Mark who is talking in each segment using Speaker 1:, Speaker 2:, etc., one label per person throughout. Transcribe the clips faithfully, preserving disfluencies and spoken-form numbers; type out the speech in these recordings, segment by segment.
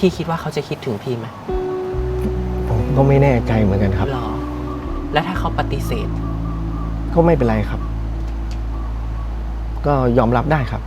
Speaker 1: พี่คิดว่าเขาจะคิดถึงพี่ไหม
Speaker 2: ผมก็ไม่แน่ใจเหมือนกันครับ
Speaker 1: หรอแล้วถ้าเขาปฏิเสธ
Speaker 2: ก็ไม่เป็นไรครับก็ยอมรับได้ครับ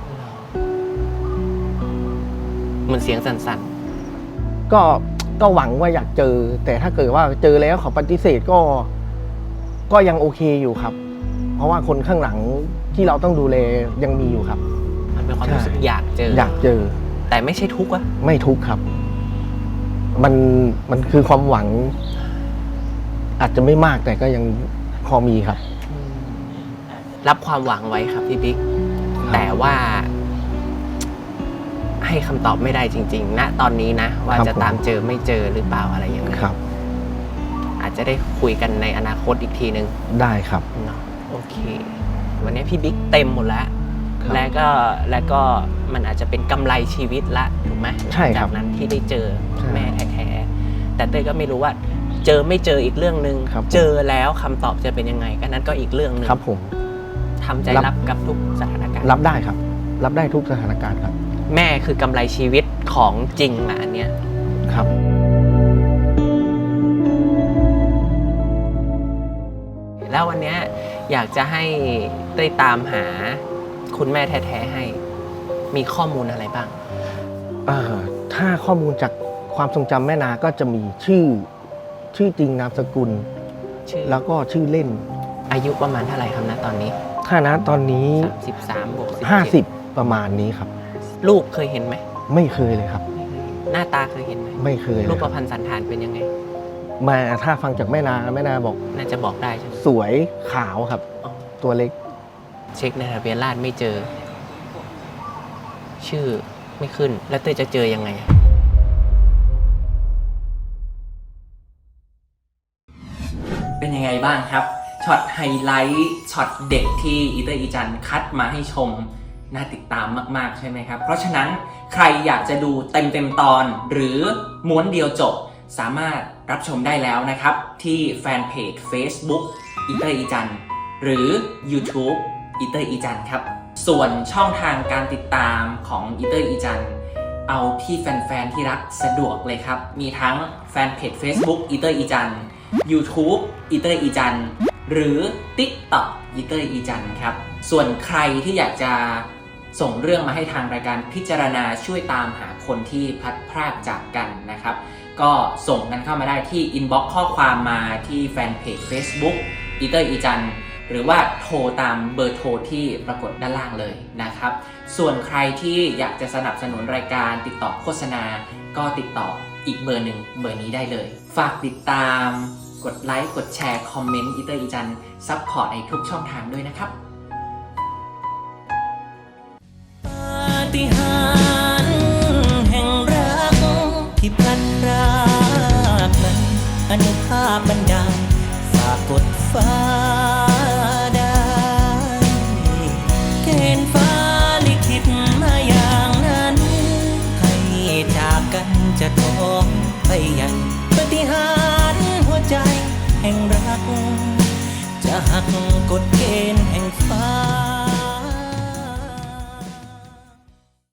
Speaker 1: เหมือนเสียงสั่น
Speaker 2: ๆก็ก็หวังว่าอยากเจอแต่ถ้าเกิดว่าเจอแล้วเขาปฏิเสธก็ก็ยังโอเคอยู่ครับเพราะว่าคนข้างหลังที่เราต้องดูแลยังมีอยู่ครับ
Speaker 1: มันเป็นความรู้สึกอยากเจอ
Speaker 2: อยากเจอ
Speaker 1: แต่ไม่ใช่ทุกข์วะ
Speaker 2: ไม่ทุกข์ครับมันมันคือความหวังอาจจะไม่มากแต่ก็ยังพอมีครับ
Speaker 1: รับความหวังไว้ครับพี่บิ๊กแต่ว่าให้คำตอบไม่ได้จริงๆณตอนนี้นะว่าจะตามเจอไม่เจอหรือเปล่าอะไรอย่างเงี้ย
Speaker 2: ครับ
Speaker 1: อาจจะได้คุยกันในอนาคตอีกทีนึง
Speaker 2: ได้ครับ
Speaker 1: เนาะโอเควันนี้พี่บิ๊กเต็มหมดแล้วแล้วก็แล้วก็มันอาจจะเป็นกำไรชีวิตละถูกไหม
Speaker 2: ใช่ครับ
Speaker 1: จากนั้นที่ได้เจอแม่แท้ๆแต่เต้ยก็ไม่รู้ว่าเจอไม่เจออีกเรื่องนึงเจอแล้วคำตอบจะเป็นยังไงก็นั้นก็อีกเรื่องนึง
Speaker 2: ครับผม
Speaker 1: ทำใจรับกับทุกสถานการณ์
Speaker 2: รับได้ครับรับได้ทุกสถานการณ์ครับ
Speaker 1: แม่คือกำไรชีวิตของจริงนะอันเนี้ย
Speaker 2: ครับ
Speaker 1: แล้ววันนี้อยากจะให้เต้ยตามหาคุณแม่แท้ๆให้มีข้อมูลอะไรบ้าง
Speaker 2: เอ่อถ้าข้อมูลจากความทรงจำแม่นาก็จะมีชื่อชื่อจริงนามสกุลแล้วก็ชื่อเล่น
Speaker 1: อายุประมาณเท่าไหร่ครับนะตอนนี้
Speaker 2: ถ้านะตอนนี้
Speaker 1: สามสิบสามบวกสิบ
Speaker 2: ห้าสิบประมาณนี้ครับ
Speaker 1: รูปเคยเห็นไหม
Speaker 2: ไม่เคยเลยครับ
Speaker 1: หน้าตาเคยเห็นไหม
Speaker 2: ไม่เคย
Speaker 1: รูปประพันธ์สันฐานเป็นยังไง
Speaker 2: มาถ้าฟังจากแม่นาแม่นาบอก
Speaker 1: น่าจะบอกได้ใช่ไหม
Speaker 2: สวยขาวครับตัวเล็ก
Speaker 1: เช็คในทะเบียนราษฎร์ไม่เจอชื่อไม่ขึ้นแล้วเต้ยจะเจอยังไงเป็นยังไงบ้างครับช็อตไฮไลท์ช็อตเด็กที่อีเตอร์อีจันคัดมาให้ชมน่าติดตามมากๆใช่ไหมครับเพราะฉะนั้นใครอยากจะดูเต็มเต็มตอนหรือม้วนเดียวจบสามารถรับชมได้แล้วนะครับที่แฟนเพจ Facebook อีเตอร์อีจันหรือ YouTube อีเตอร์อีจันครับส่วนช่องทางการติดตามของอีเตอร์อีจันเอาที่แฟนๆที่รักสะดวกเลยครับมีทั้งแฟนเพจ Facebook อีเตอร์อีจัน YouTube อีเตอร์อีจันหรือ TikTok อีเตอร์อีจันครับส่วนใครที่อยากจะส่งเรื่องมาให้ทางรายการพิจารณาช่วยตามหาคนที่พลัดพรากจากกันนะครับก็ส่งกันเข้ามาได้ที่ inbox ข้อความมาที่แฟนเพจ Facebook อีเตอร์อีจันหรือว่าโทรตามเบอร์โทรที่ปรากฏด้านล่างเลยนะครับส่วนใครที่อยากจะสนับสนุนรายการติดต่อโฆษณาก็ติดต่ออีกเบอร์หนึ่งเบอร์นี้ได้เลยฝากติดตามกดไลค์กดแชร์คอมเมนต์อีเตอร์อีจันซัพพอร์ตในทุกช่องทางด้วยนะครับปาฏิหาริย์แห่งรักที่พลันพรากนั้นอนุภาพบันดาลฝากกดฟ้า